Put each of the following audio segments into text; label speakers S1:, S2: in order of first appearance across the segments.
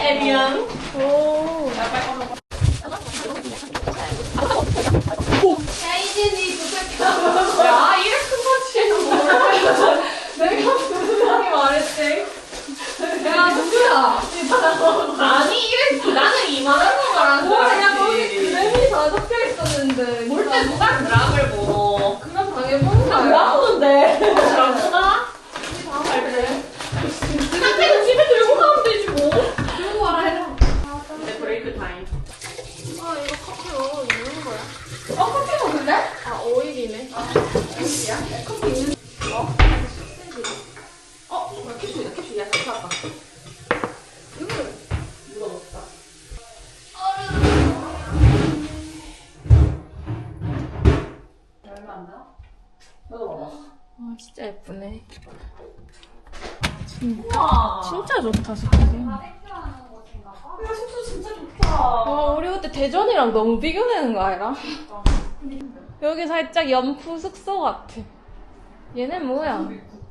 S1: 에리앙.
S2: 오.
S1: 야, 이진이 부탁해. 야, 이래 큰 거지. 내가 분명히 말했지. 야, 누구야? 아니, 이래. 나는 이만한 거 말한 거야.
S2: 야, 거기 그램이 다 적혀 있었는데.
S1: 볼 때 누가 그락을 보노?
S2: 그냥 당해보는 거야.
S1: 나보는데. 그렇구나. 그래. 상태는 집에 들고 가면 되지 뭐. 들고 가라 해라. 네, 브레이크 타임.
S2: 아, 이거 커피 먹는 거야?
S1: 커피 먹을래?
S2: 아, 오일이네.
S1: 오일이야? 커피 있는. 캡슐이다, 캡슐이야. 좋았다.
S2: 이걸.
S1: 누가 먹었다. 얼마 안 나? 너도 먹어.
S2: 아, 진짜 예쁘네.
S1: 우와.
S2: 진짜 좋다, 스키즈.
S1: 야, 숙소 진짜 좋다.
S2: 와, 우리 그때 대전이랑 너무 비교되는 거 아니라? 여기 살짝 연프 숙소 같아. 얘네 뭐야?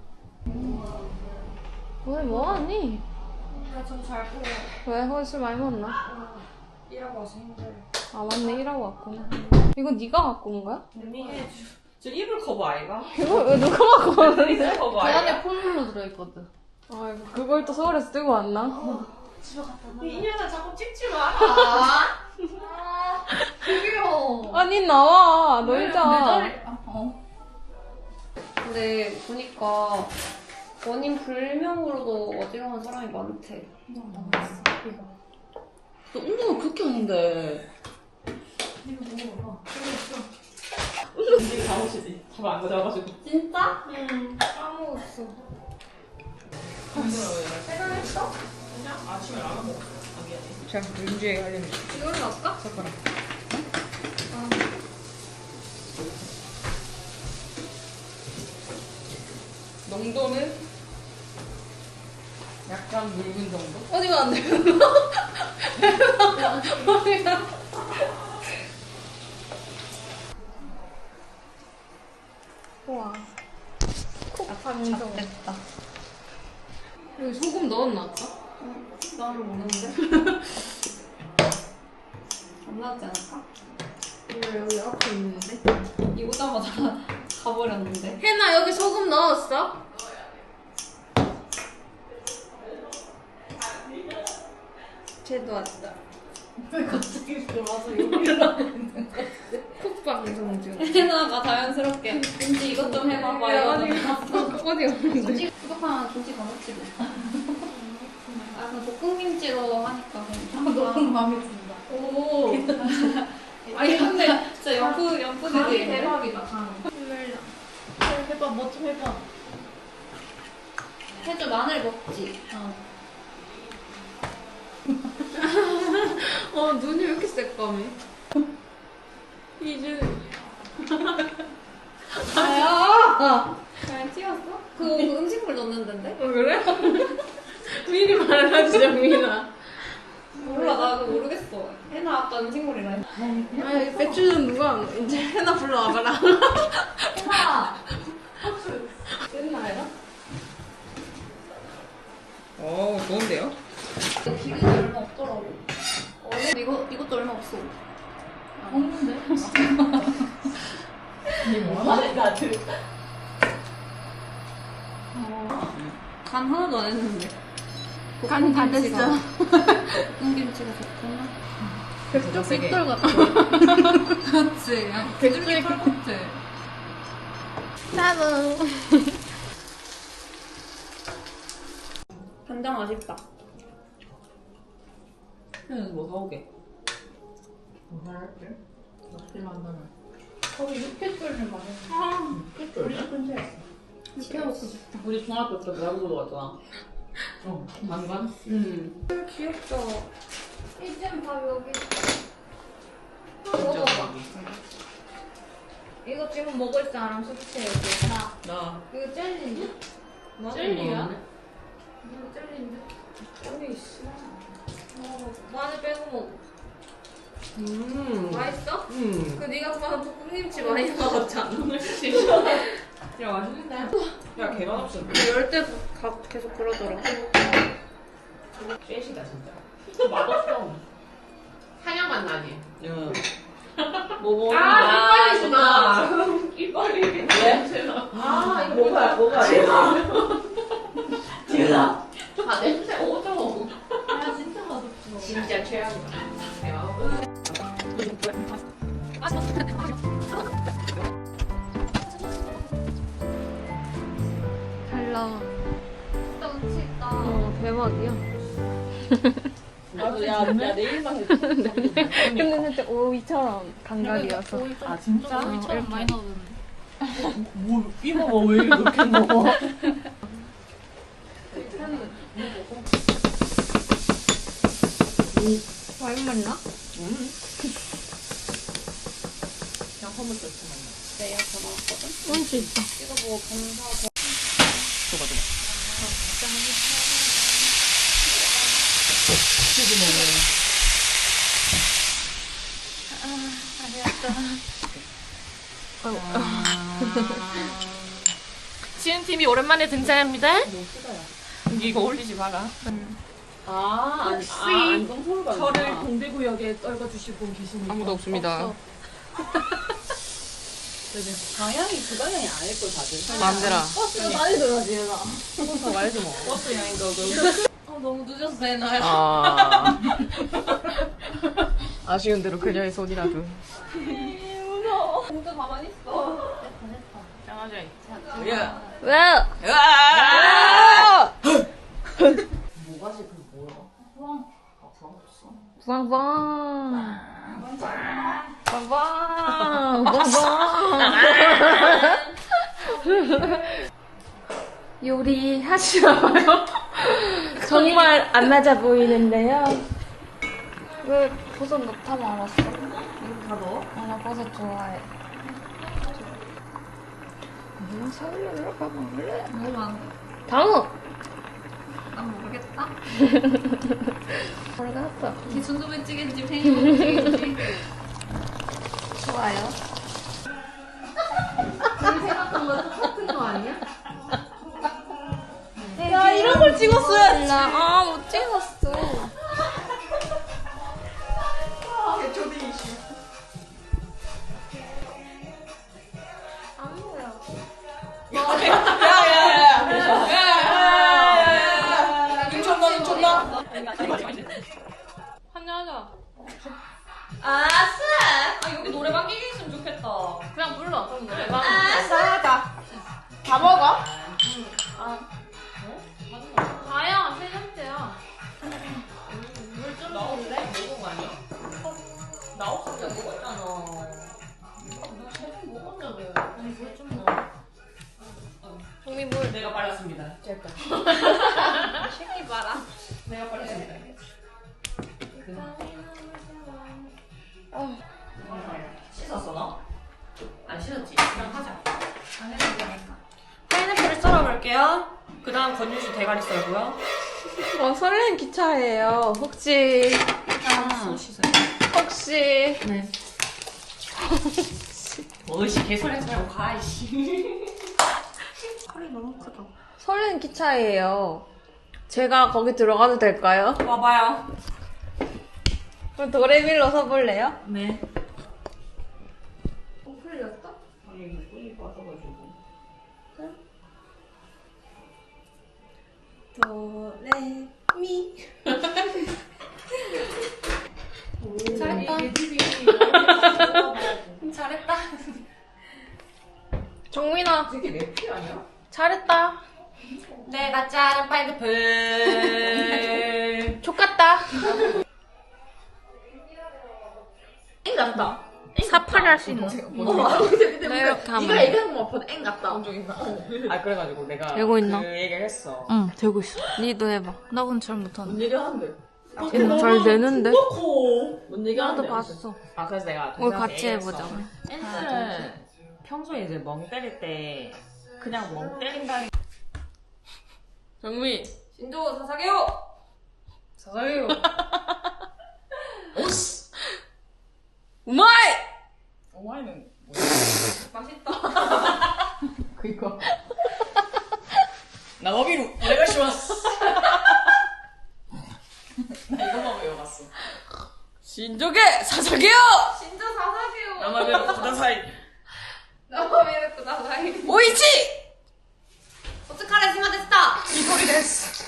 S2: 왜 뭐하니?
S1: 나좀잘 보여.
S2: 왜 헐술 많이 먹나?
S1: 일하고 와서 힘들어.
S2: 아 맞네, 일하고 왔구나. 이거 네가 갖고 온 거야?
S1: 언니, 저 이불 커버 아이가?
S2: 이거 왜 누가 갖고 왔는데?
S1: 이불 커버
S3: 그
S1: 아이가?
S3: 안에 폴로 들어있거든.
S2: 아이고, 그걸 또 서울에서 들고 왔나?
S1: 이 년아 자꾸 찍지 마라.
S3: 귀여워.
S2: 아니 나와, 놀자.
S3: 근데 보니까 원인 불명으로도 어지러운 사람이 많대.
S1: 너 운동을 그렇게 하는데. 운동 잘못이지. 잡아 안 가져와가지고.
S3: 진짜?
S2: 응, 까먹었어.
S1: 퇴근했어? 그냥 아침에 라면 먹었어. 아, 미안해.
S2: 제가 윤주에 관련
S3: 이걸로 할까?
S2: 젓가락.
S1: 농도는 약간 묽은 정도?
S2: 어디가 안 돼? 우와. 콕
S3: 됐다.
S2: 여기 소금 넣었나 아까?
S3: 나를 모르는데? 안 나지 않을까?
S2: 왜 여기 앞에 있는데?
S3: 이 오자마자 가버렸는데.
S2: 혜나 여기 소금 넣었어? 쟤도 왔다.
S3: 왜 갑자기 들어와서 여기를 하는 거야?
S2: 콕 방송 중.
S3: 혜나가 자연스럽게 왠지 이것 좀 해봐봐 이러더니
S2: 어디 없는데?
S3: 김치 부족하면 김치 더 넣지 뭐. 아, 그 볶음김치로 하니까 너무 마음에 든다.
S2: 오.
S3: 아니 근데 진짜 연프들이
S2: 대박이다. 강.
S3: 해봐 뭐 좀 해봐. 해줘 마늘 먹지.
S2: 눈이 왜 이렇게 새까매? 이제.
S3: 아야. 잘 튀었어? 그거 음식물 넣는 데인데?
S2: 그래? 미리 말해야지, 정민아.
S3: 몰라 나 그거 모르겠어. 해나 아까 음식물이라 했
S2: 아니, 배추는 누가 안 넣어? 이제 해나 불러와봐라.
S3: 해나.
S2: 됐나요?
S1: 오, 좋은데요?
S3: 기름이 얼마 없더라고. 이것도 얼마 없어. 없는데?
S1: 이게 뭐하네, 나들.
S3: 간 하나도 안 했는데.
S2: 간 다 됐어.
S3: 볶음김치가 좋구나.
S2: 백조
S3: 빅돌 같아. 그렇지. 백돌 같아.
S2: 짜잔.
S3: 간장 아쉽다.
S1: 뭐 사오게? 뭐 사올게? 맛있게 만나면.
S3: 거기 육회쫄을 많이
S1: કેટલ
S3: 근처에
S2: 이렇게 먹고 싶다.
S1: 우리 중학교 때 야구보도 왔잖아. 반반?
S2: 귀엽다.
S3: 이젠 밥 여기.
S1: 먹어봐.
S3: 이거 지금 먹을 사람 숙취 여기.
S1: 나.
S3: 이거 젤리인데?
S1: 젤리야?
S3: 이거 젤리인데? 젤리 있어. 마늘 빼고 먹어. 맛있어? 그 네가 좋아하는 볶음김치 많이 먹었잖아.
S1: 야, 맛있는데? 야, 개맛 없었네.
S2: 열 때도 계속 그러더라.
S1: 쉐시다, 진짜. 맛없어. 한약 맛 나지?
S4: 응.
S1: 아, 이빨이구나. 이빨이. 왜? 아, 이거
S4: 뭐가
S1: 대박. 아, 냄새 오죠.
S3: 아 진짜 맛없어.
S1: 진짜 최악이다.
S2: 잘 나와.
S3: 진짜 운치 있다.
S2: 대박이야.
S4: 나도 야 내일만 해도
S2: 근데 살짝 오이처럼 감각이어서.
S4: 아 진짜?
S3: 오이처럼 많이 넣었는데.
S4: 뭐 이모가 왜 이렇게 먹어?
S3: 와인 맛나?
S4: 그냥 허물 좋지 만
S3: 내가 전화왔거든.
S2: 운치 있다.
S3: 이거 보고 검사.
S4: 줘봐. 치즈 먹어.
S2: 지은팀이 오랜만에 등장합니다. 이거 올리지 마라.
S4: 혹시 저를 동대구역에 떨궈주실 분 계십니까?
S2: 아무도 없습니다.
S4: 방향이 그 방향이 아닐 걸 다들.
S2: 마음대로.
S3: 버스가 빨리 들어가지 얘나.
S2: 더 말지 뭐.
S4: 버스 여행 가고.
S3: 너무 늦어서 되나요?
S2: 아. 아쉬운 대로 그녀의 손이라도.
S3: 진짜 가만히 있어.
S4: 야.
S2: 왜?
S4: 뭐가지 그 뭐야?
S2: 빵빵. 빵빵. 빵빵. 요리 하시나봐요? 정말 안 맞아 보이는데요.
S3: 왜 버섯 넣다 말았어?
S4: 이거 다 넣어?
S3: 나 버섯 좋아해.
S2: 그냥 살려러 가볼래?
S3: 뭐만?
S2: 다음!
S3: 난 모르겠다.
S2: 모르겠어.
S3: 순두부찌개인지 생김치인지. 좋아요.
S1: 생각한 거 똑같은 거 아니야?
S2: 야, 이런 걸 찍었어야지. 아, 못 찍었어.
S4: 인천나.
S2: 한잔 하자.
S1: 아싸!
S2: 아, 여기 노래방 끼기 있으면 좋겠다. 그냥 불러. 그럼 노래방.
S1: 아싸!
S2: 다 먹어? 다야, 세 잔째야. 물좀
S1: 나오는데? 먹은 거 아니야? 나 없을 때 먹었잖아. 너 세번 먹었는데. 아니, 물좀 먹어.
S2: 종미 물.
S4: 내가 빨랐습니다. 짤까.
S2: 새끼 봐라.
S4: 내가 빨랐습니다. 씻었어 너? 안 씻었지? 그냥 하자. 파인애플을 썰어볼게요. 그 다음 건유주 대가리 썰고요.
S2: 설레는 기차예요. 혹시,
S4: 손 씻어요.
S2: 혹시.
S4: 네. 뭐시 개소리하지 말고 가 이씨. 칼이 너무 크다.
S2: 설레는 기차예요. 제가 거기 들어가도 될까요?
S4: 와봐요.
S2: 그럼 도레밀로 서볼래요?
S4: 네.
S3: 풀렸다?
S4: 아니 이거 꿀이 빠져가지고.
S2: 도레미.
S3: 잘했다. 잘했다.
S2: 정민아,
S4: 되게 맵지 아니야?
S2: 잘했다.
S4: 내가 자른 파인애플.
S2: 족같다.
S4: 엥 같다.
S2: 사파리 할 수 있는. 네, 이렇게 하면.
S1: 네가 얘기한 것만 봐도 앵 같다.
S4: 아 그래가지고 내가
S2: 되고 있나?
S4: 그 얘기를 했어.
S2: 응, 되고 있어. 니도 해봐. 나 근데 잘 못하는데.
S4: 뭔 얘기 하는데?
S2: 얘는 잘 되는데?
S4: 뭔 얘기
S2: 나도
S4: 하는데?
S2: 봤어.
S4: 아 그래서 내가
S2: 오늘 같이 해보자.
S4: 앤들은 평소에 이제 멍 때릴 때 그냥 멍 때린다는
S2: 정민.
S3: 신조 사사게요.
S2: 사사게요. 오씨. 우마이!
S4: 오마이는
S3: 맛있다.
S4: 그니까 나가비루 오네가시마스 나 이거 먹어요 나왔어.
S2: 신족의 사사게요!
S3: 진짜 사사게요.
S4: 나마베로 쿠다사이.
S3: 나와메르 쿠다사이.
S2: 오이치!
S3: 어떡하래 스마데스타.
S4: 이소리 데스.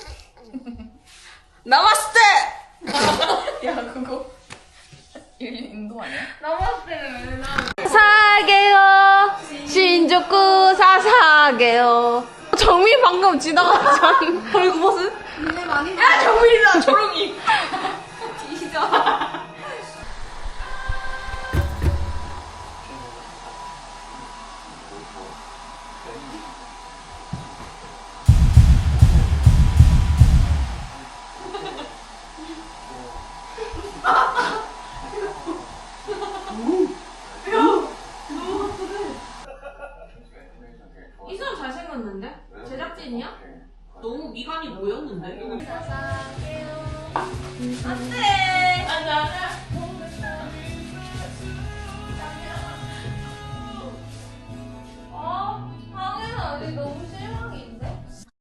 S2: 나마스테!
S4: 야 그거 인도 아니야?
S3: 나마스테는 왜 나?
S2: 사사게요! 신족구 사사게요. 정민 방금 지나갔잖아. 그리고 무슨?
S3: 니네 많이
S2: 야, 정민이다, 조롱이.
S3: 뒤져.
S1: 이 사람 잘생겼는데? 제작진이야? 너무 미간이 모였는데?
S3: 방에는 아직 너무 실망인데?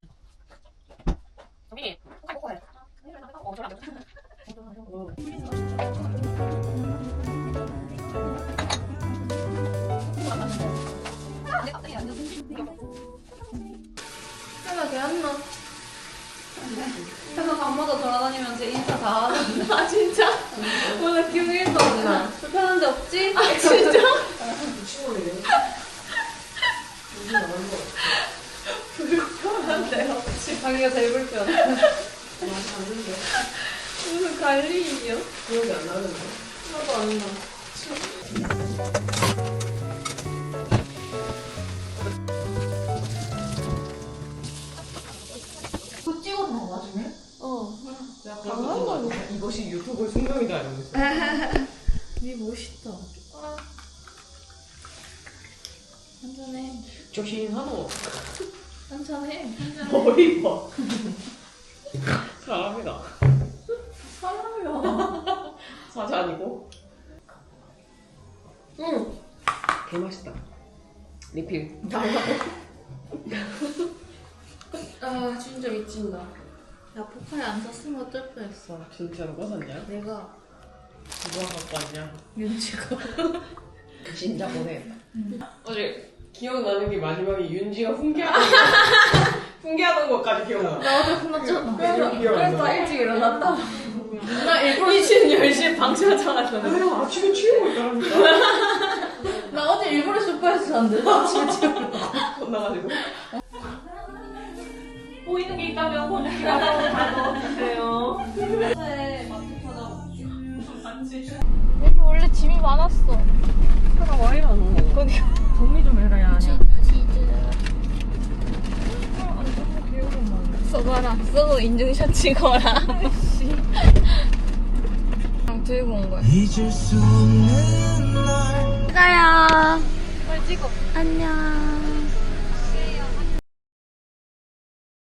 S3: 내가 걔였나? 그래서 밤마다 돌아다니면서 인사 다 하는데. 아 진짜? 몰라 기억이 1도 안 나. 불편한 데 없지? 아 진짜? 불편한 데 없지? 자기가 제일 불편해. 무슨 관리인이요?
S1: 기억이 안 나는데.
S3: 하나도 안 나. 그거 찍어서 나중에?
S1: 이것이 유튜브의 숙명이다 이러면서.
S3: 니 멋있다. 한잔해.
S1: 조신하노.
S3: 한잔해.
S1: 머리 봐. 사람이다.
S3: 사람이야.
S1: 사자 아니고. 응. 개 맛있다. 리필.
S3: 아 진짜 미친다. 야 포카리 안 샀으면 어쩔 뻔했어.
S1: 진짜 누가 샀냐?
S3: 내가
S1: 누가 갖고 왔냐?
S3: 윤지가.
S1: 진짜 보내겠다. 어제 기억나는 게 마지막에 윤지가 훈계하던 것까지 기억나.
S3: 나 어제 혼났잖아.
S1: 그래서
S3: 나 일찍 일어났다.
S1: 나 일부러 미친 10시에 방치하자마자 내가 아침에 취하고 있다니까.
S3: 나 어제 일부러 쇼파에서 잤는데 아침에 지금
S1: 혼나가지고.
S4: 보이는 게 있다면 보여주기라도 다 넣어주세요.
S2: 여기 원래 짐이 많았어.
S1: 하나 와 이러노.
S2: 거기.
S4: 정리 좀 해라 야.
S2: 써봐라. 써도 인증샷 찍어라. 그냥 들고 온 거야.
S5: 잊을 수 없는 날
S2: 가요. 빨리 찍어. 안녕.